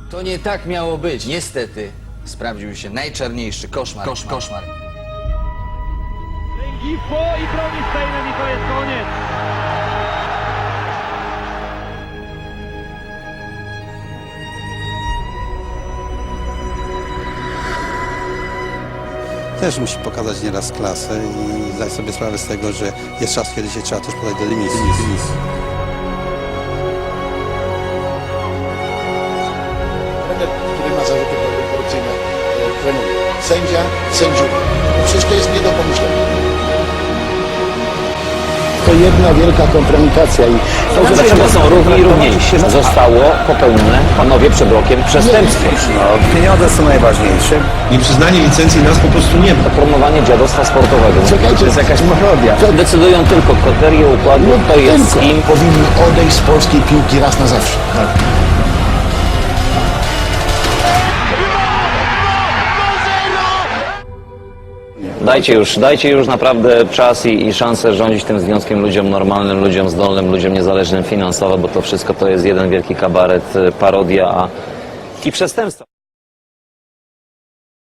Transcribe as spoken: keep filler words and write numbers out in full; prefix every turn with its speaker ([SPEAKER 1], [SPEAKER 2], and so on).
[SPEAKER 1] To nie tak miało być. Niestety sprawdził się najczarniejszy koszmar. Koszmar. koszmar.
[SPEAKER 2] Lęgitwo i broni Steinem i to jest koniec.
[SPEAKER 3] Też musi pokazać nieraz klasę i zdać sobie sprawę z tego, że jest czas, kiedy się trzeba też podać do dymisji.
[SPEAKER 4] Trener, który ma zarzuty korupcyjne, e, trenuje. Sędzia, sędziów. Przecież to jest nie do pomyślenia. To jedna wielka kompromitacja i to,
[SPEAKER 5] Dlaczego są równi i równiejsi? Zostało popełnione, panowie, przed rokiem przestępstwo.
[SPEAKER 3] No, pieniądze są najważniejsze.
[SPEAKER 6] Nieprzyznanie licencji nas po prostu nie ma.
[SPEAKER 5] To promowanie dziadostwa sportowego.
[SPEAKER 4] Czekajcie,
[SPEAKER 5] To jest jakaś parodia.
[SPEAKER 4] Co-
[SPEAKER 5] Decydują tylko kryteria układu, kto jest z
[SPEAKER 4] tylko
[SPEAKER 5] kim.
[SPEAKER 4] powinni odejść z polskiej piłki raz na zawsze.
[SPEAKER 5] Dajcie już, dajcie już naprawdę czas i, i szansę rządzić tym związkiem ludziom normalnym, ludziom zdolnym, ludziom niezależnym finansowo, bo to wszystko to jest jeden wielki kabaret, parodia a, i przestępstwo.